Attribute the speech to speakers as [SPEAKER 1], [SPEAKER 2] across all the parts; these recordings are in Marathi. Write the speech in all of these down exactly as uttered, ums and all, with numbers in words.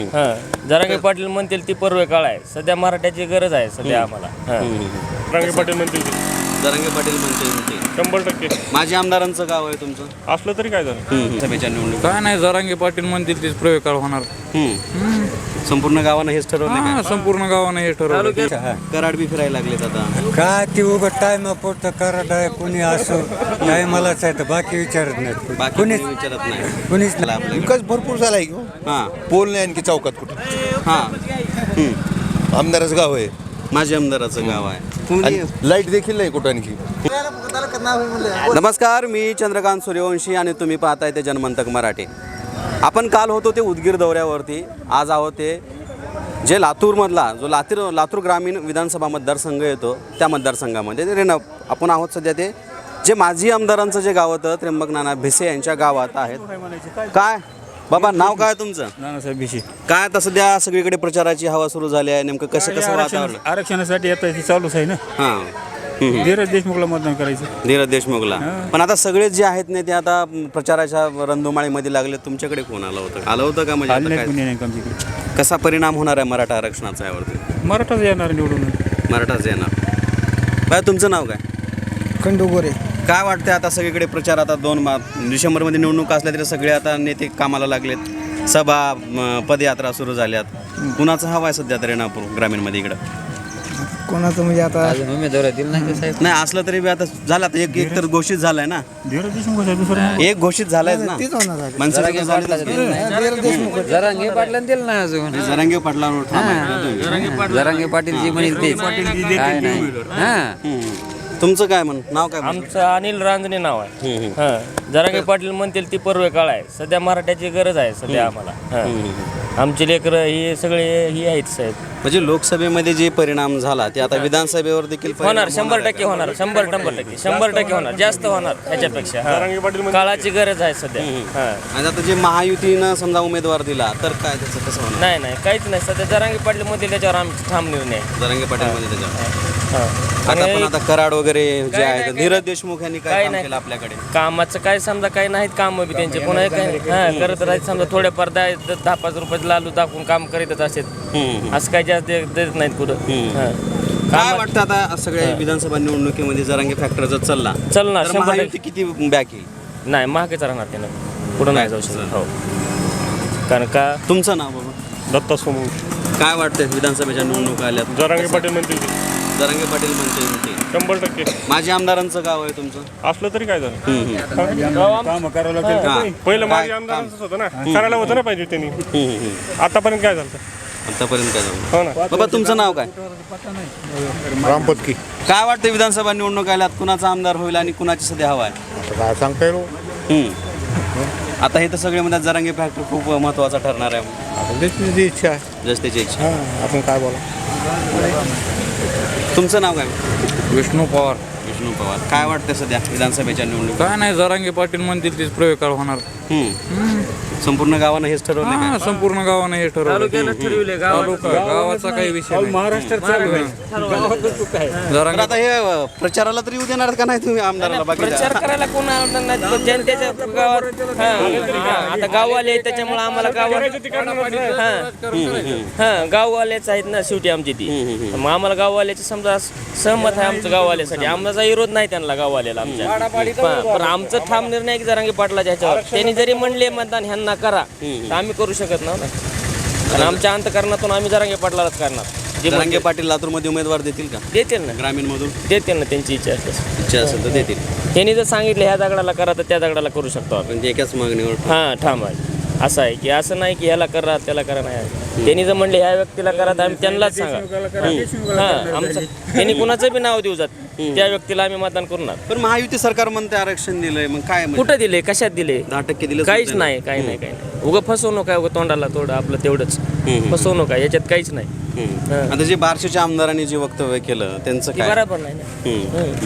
[SPEAKER 1] हां जरांगे पाटील म्हणतील ती पर्व काळ आहे. सध्या मराठ्याची गरज आहे सध्या आम्हाला. हां
[SPEAKER 2] जरांगे पाटील म्हणतील
[SPEAKER 3] जरांगे पाटील म्हणते
[SPEAKER 2] शंभर टक्के
[SPEAKER 3] माझ्या आमदारांचं गाव आहे तुमचं
[SPEAKER 2] असलं तरी काय झालं.
[SPEAKER 3] सभेच्या निवडणूक
[SPEAKER 4] काय नाही जरांगे पाटील म्हणतील तीच प्रयोग होणार.
[SPEAKER 3] संपूर्ण गावानं हेच ठरवलं
[SPEAKER 4] हा, संपूर्ण गावानं हे ठरवलं.
[SPEAKER 3] कराड बी फिरायला लागलेत आता.
[SPEAKER 5] काय ती उभं टायमा पोट करत आहे कोणी असो टायमालाच आहे तर बाकी विचारत नाहीत
[SPEAKER 3] बाकी
[SPEAKER 5] कोणीच
[SPEAKER 3] कोणी विचारत नाही
[SPEAKER 5] कोणीच
[SPEAKER 3] चला आपलं.
[SPEAKER 6] विकास भरपूर झाला आहे की
[SPEAKER 3] हां
[SPEAKER 6] पोल नाही आणखी चौकात कुठे
[SPEAKER 3] हां
[SPEAKER 6] आमदारच गाव आहे
[SPEAKER 3] माझ्या आमदाराचं गाव आहे.
[SPEAKER 6] आणि लाईट देखील नाही कुठं आणखी.
[SPEAKER 3] नमस्कार, मी चंद्रकांत सूर्यवंशी आणि तुम्ही पाहताय ते जनमंतक मराठी. आपण काल होतो ते उदगीर दौऱ्यावरती, आज आहोत ते जे लातूरमधला जो लातूर लातूर ग्रामीण विधानसभा मतदारसंघ येतो त्या मतदारसंघामध्ये ते रेन आपण आहोत सध्या ते जे माजी आमदारांचं जे गाव होतं त्र्यंबक नाना भिसे यांच्या गावात आहेत. काय बाबा नाव काय तुमचं?
[SPEAKER 4] नानासाहेब भिशी.
[SPEAKER 3] काय आता सध्या सगळीकडे प्रचाराची हवा सुरू झाली आहे, नेमकं कसं कसं वातावरण?
[SPEAKER 4] आरक्षणासाठी येतं ते चालूच आहे ना.
[SPEAKER 3] हां
[SPEAKER 4] धीरज देशमुखला मतदान करायचं.
[SPEAKER 3] धीरज देशमुखला. पण आता सगळेच जे आहेत ने ते आता प्रचाराच्या रणधुमाळीमध्ये लागले. तुमच्याकडे कोण आलं होतं आलं होतं का म्हणजे आता काय कसा परिणाम होणार आहे मराठा आरक्षणाचा यावरती?
[SPEAKER 4] मराठाच येणार निवडून.
[SPEAKER 3] मराठाच येणार. बाय तुमचं नाव काय?
[SPEAKER 5] खंडू गोरे.
[SPEAKER 3] काय वाटतं आता सगळीकडे प्रचार आता दोन मा डिसेंबरमध्ये निवडणूक असल्या तरी सगळे आता नेते कामाला लागलेत. सभा म, पदयात्रा सुरू झाल्यात. कुणाचा हवा आहे सध्या तरी रेणापूर ग्रामीणमध्ये इकडं?
[SPEAKER 5] कोणाचं म्हणजे आता
[SPEAKER 1] उमेदवार दिला नाही साहेब.
[SPEAKER 3] नाही असलं तरी बी आता झालं आता एक एक तर घोषित झालाय ना.
[SPEAKER 4] धीरज देशमुख दुसरं
[SPEAKER 3] एक घोषित झालायच ना. मनसेचं काय झालं?
[SPEAKER 1] जरांगे पाटलांना दिलं नाही अजून.
[SPEAKER 3] जरांगे पाटलांवर ठाम आहे.
[SPEAKER 1] जरांगे पाटील जी म्हणेल ते काय नाही. हां
[SPEAKER 3] तुमचं काय म्हण नाव काय म्हण?
[SPEAKER 1] आमचं अनिल रांजणे नाव आहे. हां जरांगे पाटील म्हणतील ती पर्व काळ आहे. सध्या मराठ्याची गरज आहे सध्या आम्हाला. हां आमचे लेकरं हे सगळे ही आहेत साहेब.
[SPEAKER 3] म्हणजे लोकसभेमध्ये जे परिणाम झाला ते आता विधानसभेवर देखील परिणाम
[SPEAKER 1] होणार शंभर टक्के होणार. शंभर शंभर टक्के शंभर टक्के होणार. जास्त होणार ह्याच्यापेक्षा. हां. काळाची गरज आहे सध्या. हां
[SPEAKER 3] आणि आता जे महायुतीनं समजा उमेदवार दिला तर काय त्याचं कसं होणार?
[SPEAKER 1] नाही नाही काहीच नाही सध्या जरांगे पाटील मध्ये त्याच्यावर आमचा ठाम निर्णय आहे.
[SPEAKER 3] जरांगे पाटील मध्ये त्याच्यावर
[SPEAKER 1] हां
[SPEAKER 3] आता पण आता कराड वगैरे जे
[SPEAKER 1] काय
[SPEAKER 3] आहेत
[SPEAKER 1] नाही,
[SPEAKER 3] धीरज देशमुख यांनी काय
[SPEAKER 1] काय
[SPEAKER 3] काम
[SPEAKER 1] नाही.
[SPEAKER 3] केलं आपल्याकडे?
[SPEAKER 1] कामाचं काय समजा काही नाहीत काम बी त्यांचे पुन्हा काय हां करत राहायचं समजा थोड्याफार दहा दहा पाच रुपये लालू दाखवून काम करीतच असतात. असं काय जास्त देत देत नाहीत कुठं. हां
[SPEAKER 3] काय वाटतं आता सगळ्या विधानसभा निवडणुकीमध्ये जरांगे फॅक्टर जर चालला
[SPEAKER 1] चलणार
[SPEAKER 3] तर
[SPEAKER 1] शंभर
[SPEAKER 3] महायुती किती बॅक येईल?
[SPEAKER 1] टक्के. नाही महागच राहणार त्यानं पुढं नाही जाऊ शकत. हो कारण का
[SPEAKER 3] तुमचं नाव बाबा?
[SPEAKER 2] दत्ता सोमवंशी.
[SPEAKER 3] काय वाटतं विधानसभेच्या निवडणुका आल्यात?
[SPEAKER 2] जरांगे पाटील म्हणतील
[SPEAKER 3] जरांगे पाटील म्हणते
[SPEAKER 2] शंभर टक्के
[SPEAKER 3] माझ्या आमदारांचं गाव आहे तुमचं.
[SPEAKER 2] असलं तरी काय झालं.
[SPEAKER 4] काम करावं लागेल.
[SPEAKER 3] हां.
[SPEAKER 2] पहिलं माझे
[SPEAKER 3] काय-
[SPEAKER 2] आमदारांचंच होतं ना. करायला होतं ना पाहिजे त्यांनी.
[SPEAKER 3] हम्म, हम्म.
[SPEAKER 2] आतापर्यंत काय झालं
[SPEAKER 3] आतापर्यंत काय झालं?
[SPEAKER 2] हो ना.
[SPEAKER 3] बाबा तुमचं नाव काय?
[SPEAKER 6] रामपतकी
[SPEAKER 3] काय वाटतं विधानसभा निवडणूक आल्यात कुणाचा आमदार होईल आणि कुणाची सध्या हवा आहे?
[SPEAKER 6] आता काय सांगता येईल
[SPEAKER 3] हम्म. आता हे तर सगळे म्हणतात जरांगे फॅक्टर खूप महत्त्वाचा ठरणार आहे.
[SPEAKER 6] आपण त्याची जी इच्छा आहे
[SPEAKER 3] जस त्याची इच्छा.
[SPEAKER 6] हां आपण काय बोला.
[SPEAKER 3] तुमचं नाव काय?
[SPEAKER 4] विष्णू पवार.
[SPEAKER 3] विष्णू पवार. काय वाटतं सध्या विधानसभेच्या निवडणूक?
[SPEAKER 4] काय नाही जरांगे पाटील म्हणतील तीच प्रयोग होणार.
[SPEAKER 3] संपूर्ण गावानं हेच ठरवलं
[SPEAKER 4] हा,
[SPEAKER 3] काय?
[SPEAKER 4] संपूर्ण गावानं हे ठरवलं.
[SPEAKER 1] तालुक्यानं ठरविले गावात
[SPEAKER 4] तालुका गावाचा काही विषय नाही.
[SPEAKER 5] महाराष्ट्रात चालू आहे.
[SPEAKER 3] तर
[SPEAKER 4] जरांगे
[SPEAKER 3] आता हे प्रचाराला तरी येऊ देणार का नाही तुम्ही आमदाराला? बाकी
[SPEAKER 1] प्रचार करायला कोण आवडणार नाही. तो जनतेच्या गावात हां, हां, आता गाववाले आहेत त्याच्यामुळे आम्हाला गावात हां हां गाववालेच आहेत ना शेवटी आमची ती. मग आम्हाला गाववाल्याचे समजा सहमत आहे आमचं गाववाल्यासाठी. आमचा विरोध नाही त्यांना गाववाल्याला आमच्या. पण आमचं ठाम निर्णय की जरांगे पाटलाच्या ह्याच्यावर त्यांनी जरी म्हणले मतदान ह्यांना करा तर आम्ही करू शकत नाही ना. आणि आमच्या अंतकरणातून आम्ही जरांगे पाटलालाच करणार. जे
[SPEAKER 3] जरांगे पाटील लातूरमध्ये उमेदवार देतील का?
[SPEAKER 1] देतील ना
[SPEAKER 3] ग्रामीण मधून
[SPEAKER 1] देतील ना त्यांची इच्छा असते.
[SPEAKER 3] इच्छा असेल तर देतील.
[SPEAKER 1] त्यांनी जर सांगितलं ह्या दगडाला करा तर त्या दगडाला करू शकतो आपण.
[SPEAKER 3] म्हणजे एकाच मागणीवर.
[SPEAKER 1] हां ठाम आहे. असं आहे की असं नाही की ह्याला करा त्याला करा नाही. त्यांनी जर म्हणले ह्या व्यक्तीला करा तर आम्ही त्यांनाच सांगा. हां आमचं त्यांनी कुणाचं बी नाव देऊ जात त्या व्यक्तीला आम्ही मतदान करणार.
[SPEAKER 3] पण महायुती सरकार म्हणते आरक्षण दिलंय मग काय म्हणजे?
[SPEAKER 1] कुठं दिले कशात दिले?
[SPEAKER 3] दहा टक्के दिलं
[SPEAKER 1] काहीच नाही काही नाही काही नाही. उगं फसवणूक आहे उगं तोंडाला तोडं आपलं तेवढंच फसवणूक आहे याच्यात काहीच नाही.
[SPEAKER 3] हम्म. आता जे बार्शीच्या आमदारांनी जे वक्तव्य केलं त्यांचं
[SPEAKER 1] ती
[SPEAKER 3] काय?
[SPEAKER 1] बरोबर नाही ना.
[SPEAKER 3] हम्म,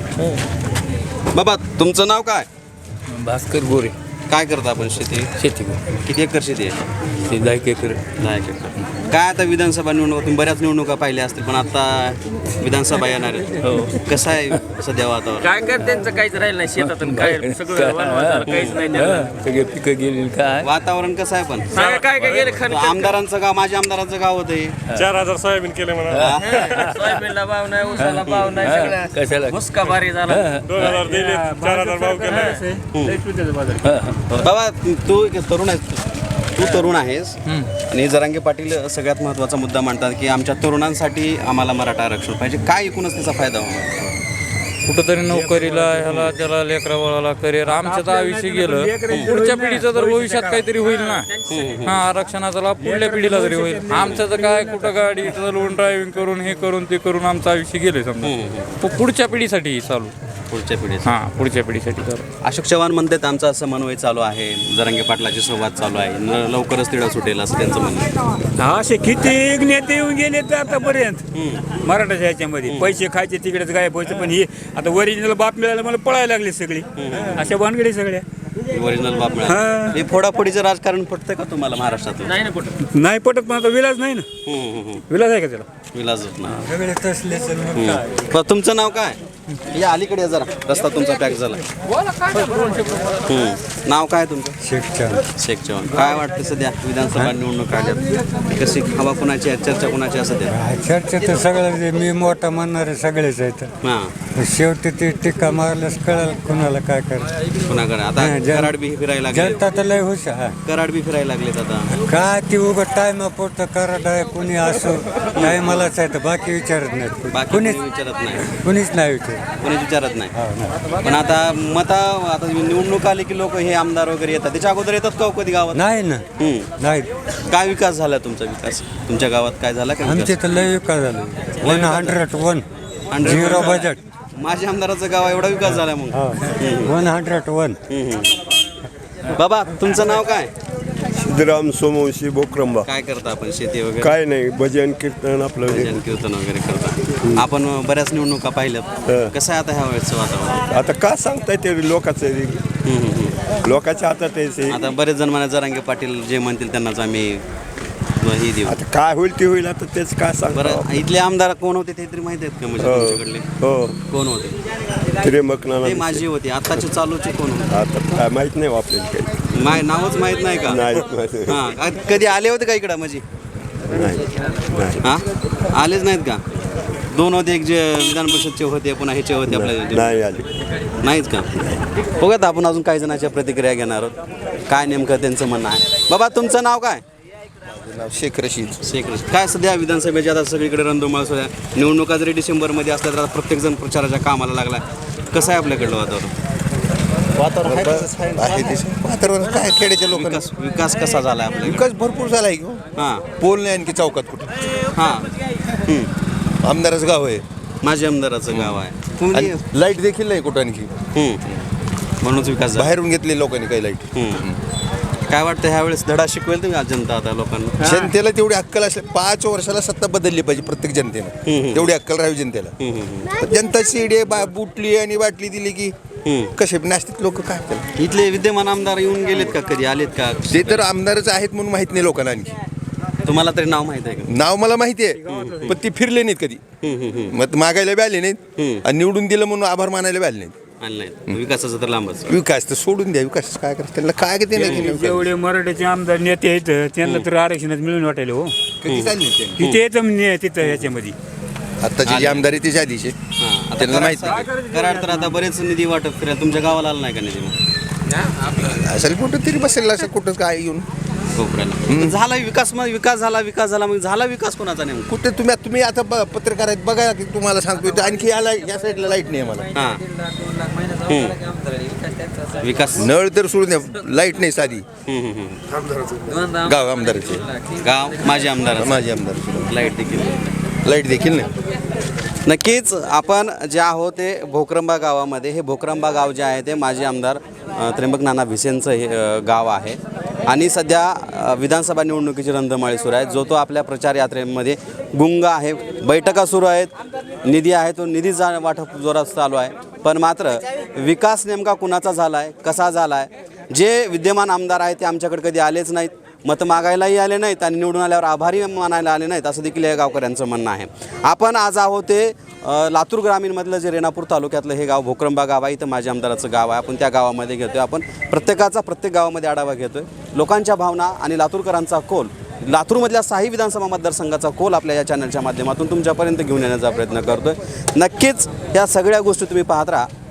[SPEAKER 3] बरोबर. बाबा तुमचं नाव काय?
[SPEAKER 4] भास्कर गोरे.
[SPEAKER 3] काय करता आपण शेती?
[SPEAKER 4] शेती
[SPEAKER 3] किती एकर शेती आहे?
[SPEAKER 4] ते दहा एकर.
[SPEAKER 3] दहा एकर. काय आता विधानसभा निवडणुका तुम्ही बऱ्याच निवडणुका पाहिल्या असतील पण आता विधानसभा येणार आहे. कसं आहे वाटतं सध्या वातावरण?
[SPEAKER 1] काय कर त्यांचं काहीच राहिलं नाही शेतातून काय सगळं वनवास झालं, काहीच नाही त्यांना.
[SPEAKER 4] सगळे पिकं गेली काय
[SPEAKER 3] वातावरण कसं आहे पण?
[SPEAKER 1] सांगा काय काय गेलं खण
[SPEAKER 3] आमदारांचं गाव, माझ्या आमदारांचं गाव होतं हे.
[SPEAKER 2] चार हजार सोयाबीन केले म्हणा.
[SPEAKER 1] सोयाबीनला भाव नाही, ऊसाला भाव नाही,
[SPEAKER 4] कशाला?
[SPEAKER 1] सगळं हुसका भारी झाला.
[SPEAKER 2] दोन हजार दिले, चार हजार भाव केले.
[SPEAKER 3] बाबा तू एक तरुण आहेस, तू तरुण आहेस आणि जरांगे पाटील सगळ्यात महत्त्वाचा मुद्दा मांडतात की आमच्या तरुणांसाठी आम्हाला मराठा आरक्षण पाहिजे. काय एकूणच त्याचा फायदा होणार?
[SPEAKER 4] कुठंतरी नोकरीला ह्याला त्याला लेकरा वळाला करिअर आमचं तर आयुष्य गेलं. पुढच्या पिढीचं तर भविष्यात काहीतरी होईल ना. हा आरक्षणाचा लाभ पुढल्या पिढीला तरी होईल. आमचं तर काय कुठं गाडी चालवून ड्रायव्हिंग करून हे करून ते करून आमचं आयुष्य गेले समजा. पुढच्या पिढीसाठी चालू
[SPEAKER 3] पुढच्या पिढीचं.
[SPEAKER 4] हा पुढच्या पिढीसाठी चालू.
[SPEAKER 3] अशोक चव्हाण म्हणतात आमचा असं समन्वय चालू आहे, जरांगे पाटलाचे संवाद चालू आहे, न लवकरच तिढा सुटेल असं त्यांचं म्हणणं आहे.
[SPEAKER 7] असे किती नेते येऊन गेले तर आतापर्यंत मराठाच्या ह्याच्यामध्ये पैसे खायचे तिकडेच गायब व्हायचं. पण हे आता ओरिजिनल बाप मिळायला मला पळायला लागले सगळी अशा भानगडी सगळ्या.
[SPEAKER 3] ओरिजिनल बाप मिळाला. हे फोडाफोडीचं राजकारण पटतं का तुम्हाला महाराष्ट्रात?
[SPEAKER 1] नाही ना कुठं
[SPEAKER 7] नाही पटत पण आता विलाज नाही ना. विलाज आहे का त्याला?
[SPEAKER 3] विलाजच नाही.
[SPEAKER 5] सगळे तसलेच आणि मग काय?
[SPEAKER 3] पण तुमचं नाव काय? या अलीकडे या जरा, रस्ता तुमचा पॅक झाला. हम्म. नाव काय तुमचं?
[SPEAKER 5] शेखच्या
[SPEAKER 3] शेख चव्हाण. काय वाटतं सध्या विधानसभा निवडणूक आल्यात, कशी हवा कुणाची आहे, चर्चा कुणाची आहे सध्या?
[SPEAKER 5] चर्चा तर सगळं जे मी मोठा म्हणणारे सगळेच आहेत.
[SPEAKER 3] हां,
[SPEAKER 5] शेवटी ते टीका मारल्यास कळाल कुणाला काय करायचं.
[SPEAKER 3] कुणाकडे आता
[SPEAKER 5] हा, जन-
[SPEAKER 3] कराड बी फिरायला लागले,
[SPEAKER 5] जनता तर लय हुशार.
[SPEAKER 3] कराड बी फिरायला लागलेत आता.
[SPEAKER 5] काय ती उगं टायमा पुरतं कराड आहे कोणी असो काय मलाच आहे तर बाकी विचारत नाहीत.
[SPEAKER 3] बाकी
[SPEAKER 5] कुणीच
[SPEAKER 3] कोणी विचारत नाही,
[SPEAKER 5] कुणीच नाही विचारत.
[SPEAKER 3] कोणीच विचारत नाही.
[SPEAKER 5] हो ना.
[SPEAKER 3] पण आता मता आता निवडणूक आली की लोक हे आमदार वगैरे येतात, त्याच्या अगोदर येतात का हो कधी गावात?
[SPEAKER 5] नाही ना
[SPEAKER 3] हम्म.
[SPEAKER 5] नाही.
[SPEAKER 3] काय विकास झाला तुमचा? विकास तुमच्या गावात काय झाला का?
[SPEAKER 5] आमचे तर लय विकास झाला. One hundred one zero budget.
[SPEAKER 3] माझ्या आमदाराचं गाव एवढा विकास झाला मग.
[SPEAKER 5] One hundred one.
[SPEAKER 3] बाबा तुमचं नाव काय?
[SPEAKER 8] सिद्धराम सोमवंशी बोक्रंबा.
[SPEAKER 3] काय करता आपण? शेती वगैरे?
[SPEAKER 8] काय नाही, भजन कीर्तन आपलं हे.
[SPEAKER 3] भजन कीर्तन वगैरे करता. आपण बऱ्याच निवडणुका पाहिल्यात, कसं आहे आता ह्या वेळेचं वातावरण?
[SPEAKER 8] आता का सांगताय ते लोकांचं आहे.
[SPEAKER 3] हम्म, हम्म, हम्म.
[SPEAKER 8] लोकांच्या हातात आहे ते.
[SPEAKER 3] आता बरेच जण म्हणा जरांगे पाटील जे म्हणतील त्यांनाच आम्ही ही देऊ.
[SPEAKER 8] आता काय होईल ते होईल. आता तेच काय सांगतो.
[SPEAKER 3] बरं, इथले आमदार कोण होते ते तरी माहिती आहेत का म्हणजे तुमच्याकडले?
[SPEAKER 8] हो,
[SPEAKER 3] कोण होते?
[SPEAKER 8] त्र्यंबक
[SPEAKER 3] ते
[SPEAKER 8] नाना.
[SPEAKER 3] माझी होते, आताचे चालूचे कोण होते?
[SPEAKER 8] आता काय माहित नाही आपल्याला काही.
[SPEAKER 3] माय नावच माहित नाही का?
[SPEAKER 8] नाही माहित.
[SPEAKER 3] हा, कधी आले होते का इकडं म्हणजे?
[SPEAKER 8] नाही नाही.
[SPEAKER 3] हा, आलेच नाहीत का? दोन होते, एक जे विधान परिषदचे होते, पुन्हा ह्याचे होते आपल्या.
[SPEAKER 8] नाही आले.
[SPEAKER 3] नाहीच का? बघत आपण अजून काही जणांच्या प्रतिक्रिया घेणार आहोत, काय नेमकं त्यांचं म्हणणं आहे. बाबा तुमचं नाव काय?
[SPEAKER 6] शेख रशीद.
[SPEAKER 3] शेख रशीद. काय सध्या विधानसभेची आता सगळीकडे रणधुमाळ सुरू आहे. निवडणुका जरी डिसेंबरमध्ये असल्या तर आता प्रत्येकजण प्रचाराच्या कामाला लागला आहे. कसं आहे आपल्याकडलं वातावरण?
[SPEAKER 6] वातावरण आहे ते वातावरण काय खेड्याच्या लोकांना
[SPEAKER 3] विकास विकास कसा झाला आहे आपल्याकडे?
[SPEAKER 6] विकास भरपूर झाला आहे की.
[SPEAKER 3] हां
[SPEAKER 6] पोल नाही आणखी चौकात कुठं.
[SPEAKER 3] हां, हम्म.
[SPEAKER 6] आमदारच गाव आहे
[SPEAKER 3] माझ्या आमदाराचं गाव आहे. कोणी?
[SPEAKER 6] आणि लाईट देखील नाही कुठं आणखी.
[SPEAKER 3] हम्म. म्हणूनच विकास झाला.
[SPEAKER 6] बाहेरून घेतले लोकांनी काही लाईट.
[SPEAKER 3] हम्म. काय वाटतं ह्यावेळेस धडा शिकवेल तुम्ही आज जनता आता लोकांना?
[SPEAKER 6] जनतेला तेवढी अक्कल असल्या पाच वर्षाला सत्ता बदलली पाहिजे प्रत्येक जनतेनं. तेवढी अक्कल राहावी जनतेला. जनता शिडे बा बुटली आणि बाटली दिली की कसे नास्तिक लोक काय त्याला.
[SPEAKER 3] इथले विद्यमान आमदार येऊन गेलेत का, कधी आलेत का?
[SPEAKER 6] ते तर आमदारच आहेत म्हणून माहित नाही लोकांना आणखी.
[SPEAKER 3] तुम्हाला तरी नाव माहित आहे का?
[SPEAKER 6] नाव मला माहिती आहे पण ती फिरले नाहीत कधी. मग मागायला बी आले नाहीत आणि निवडून दिलं म्हणून आभार मानायला बी आले नाहीत.
[SPEAKER 3] आणलंय विकासाचं तर लांबच.
[SPEAKER 6] विकास तर सोडून द्या. विकास काय करत त्यांना काय ते नाही.
[SPEAKER 7] जेवढे मराठीचे आमदार नेते आहेत त्यांना तर आरक्षणात मिळून वाटायला हो.
[SPEAKER 6] कधी चालले ते
[SPEAKER 7] किती येतं म्हणजे तिथं याच्यामध्ये.
[SPEAKER 6] आताची जी आमदार आहे त्याच्या आधीचे
[SPEAKER 3] हां, आता
[SPEAKER 6] त्यांना माहित नाही.
[SPEAKER 3] कराड कराड तर आता बरेच निधी वाटप फिरायला तुमच्या गावाला आला नाही का निधी मग?
[SPEAKER 6] असेल कुठं तरी बसेल असं कुठं काय येऊन
[SPEAKER 3] कोपऱ्याला झाला विकास, मग विकास झाला विकास झाला मग झाला विकास कोणाचा नेमका?
[SPEAKER 6] कुठे तुम्ही तुम्ही आता ब- पत्रकार आहेत बघा की तुम्हाला सांगतो इथं आणखी याला या साईडला लाईट नाही आम्हाला.
[SPEAKER 3] हां, हम्म. विकास
[SPEAKER 6] नळ तर सोडून द्या लाईट नाही साधी.
[SPEAKER 3] हम्म, हम्म, हम्म.
[SPEAKER 6] गाव आमदाराचे
[SPEAKER 3] गाव माझे आमदार
[SPEAKER 6] माझे आमदार
[SPEAKER 3] लाईट देखील
[SPEAKER 6] लाईट देखील नाही.
[SPEAKER 3] नक्कीच आपण जे आहोत ते भोकरंबा गावामध्ये. हे भोकरंबा गाव जे आहे ते माजी आमदार अ, त्र्यंबक नाना भिसेंचं हे अ, गाव आहे आणि सध्या अ, विधानसभा निवडणुकीची रंधमाळी सुरू आहे. जो तो आपल्या प्रचार यात्रेमध्ये गुंग आहे. बैठका सुरू आहेत, निधी आहे तो निधी जा वाटप जोरात चालू आहे. पण मात्र विकास नेमका कुणाचा झाला आहे, कसा झाला आहे? जे विद्यमान आमदार आहेत ते आमच्याकडे कधी आलेच नाहीत. मतं मागायलाही आले नाहीत आणि निवडून आल्यावर आभारी मानायला आले नाहीत असं देखील या गावकऱ्यांचं म्हणणं आहे. आपण आज आहोत ते अ, लातूर ग्रामीणमधलं जे रेणापूर तालुक्यातलं हे गाव भोकरंबा गाव आहे. इथं माझ्या आमदाराचं गाव आहे. आपण त्या गावामध्ये घेतो आहे. आपण प्रत्येकाचा प्रत्येक गावामध्ये आढावा घेतो आहे. लोकांच्या भावना आणि लातूरकरांचा कौल, लातूरमधल्या साही विधानसभा मतदारसंघाचा कौल आपल्या या चॅनलच्या माध्यमातून तुमच्यापर्यंत घेऊन येण्याचा प्रयत्न करतो आहे. नक्कीच या सगळ्या गोष्टी तुम्ही पाहत राहा.